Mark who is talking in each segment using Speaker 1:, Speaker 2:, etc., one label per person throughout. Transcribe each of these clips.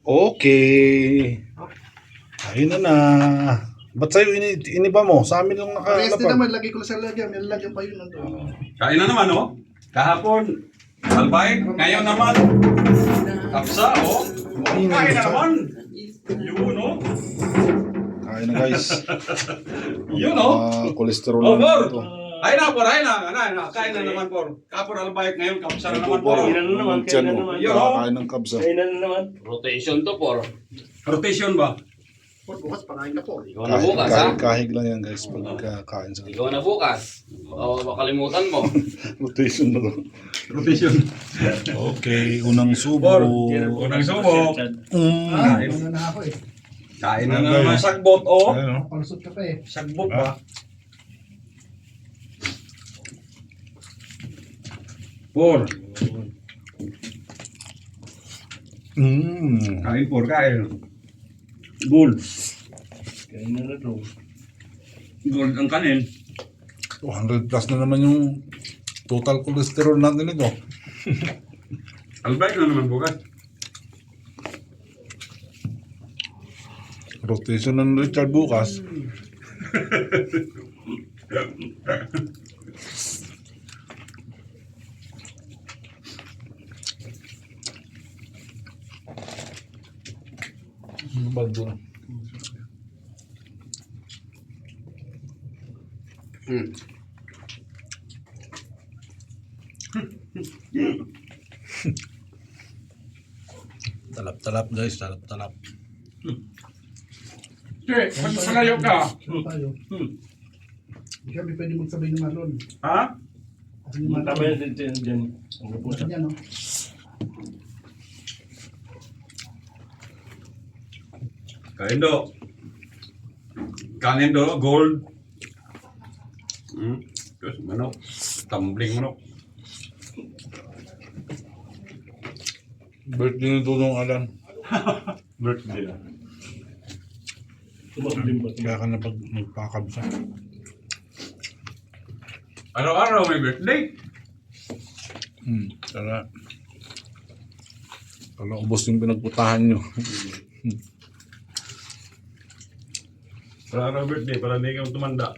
Speaker 1: Okay. Ayun na. Ba't sa'yo iniba mo? Sa amin lang
Speaker 2: Parehas din
Speaker 1: nakalapag.
Speaker 2: naman, lagay ko lang sa lagyan. May lagyan pa yun nandun.
Speaker 3: Kain na naman, oh. Kahapon, albay. Ngayon naman, kapsa, oh. Kain na naman. Yun, oh.
Speaker 1: Kain na guys.
Speaker 3: Yun, oh.
Speaker 1: Cholesterol
Speaker 3: Oh,
Speaker 1: na
Speaker 3: Bor.
Speaker 1: ito.
Speaker 3: Ay na, Bor. Ay na. Kain na naman, Bor. Kapon albay. Ngayon, kapsa na naman, Bor.
Speaker 4: Kainan na naman,
Speaker 1: Tiyan
Speaker 4: kainan
Speaker 1: mo.
Speaker 4: naman.
Speaker 3: Yun, oh.
Speaker 1: Kakain ng kabsa.
Speaker 4: Kainan na naman.
Speaker 5: Rotation to, por.
Speaker 3: Rotation ba?
Speaker 2: Bukas, pakain ka po.
Speaker 5: Ikaw na bukas, ha?
Speaker 1: Kahig lang yan guys. Pagkakain sa
Speaker 5: Ikaw na bukas. O, makalimutan mo.
Speaker 1: rotation na to.
Speaker 3: Rotation.
Speaker 1: Okay, unang subo.
Speaker 3: Bor. Unang subok.
Speaker 2: Ah, una na ako eh.
Speaker 3: Kain na naman. Sagbot, oh.
Speaker 1: Ayun, oh.
Speaker 2: Palusot ka pa eh.
Speaker 3: Sagbot ba? Bor. Kain, Bor. Kain. Gold.
Speaker 4: Kainan na to.
Speaker 3: Gold ang kanin.
Speaker 1: 200 plus na naman yung total cholesterol natin ito.
Speaker 3: Albay na naman bukas.
Speaker 1: Rotation ng Richard bukas. Baldo na. Talap-talap guys, talap-talap.
Speaker 3: Che, magpalayo ka.
Speaker 2: Sino tayo? Hindi kami pwede magsabay ng malon.
Speaker 3: Ha?
Speaker 2: Kasi yung malon.
Speaker 4: Tama yan din dyan. Ang pupunta.
Speaker 2: Yan, no?
Speaker 3: Kain do. Kanin do, gold. Terus manok. Tumbling manok.
Speaker 1: Birthday ni Dudong Alan.
Speaker 3: Birthday na.
Speaker 4: Tumablim ba?
Speaker 1: Kaya ka na pag magpakabsa.
Speaker 3: Araw-araw may birthday.
Speaker 1: Tara. Kala ubos yung pinagputahan nyo.
Speaker 3: Araw-araw birthday para hindi ka tumanda.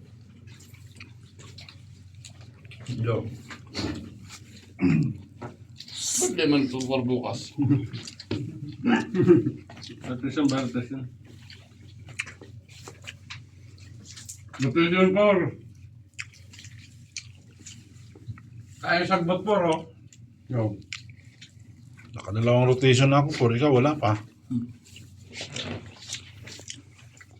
Speaker 3: Yo.
Speaker 5: Ba't di man ito por bukas?
Speaker 4: At isang baratas yun.
Speaker 3: Nutrition por. Kaya sagbot por, oh. Yo.
Speaker 1: Nakadalawang rotation na ako, por ikaw wala pa.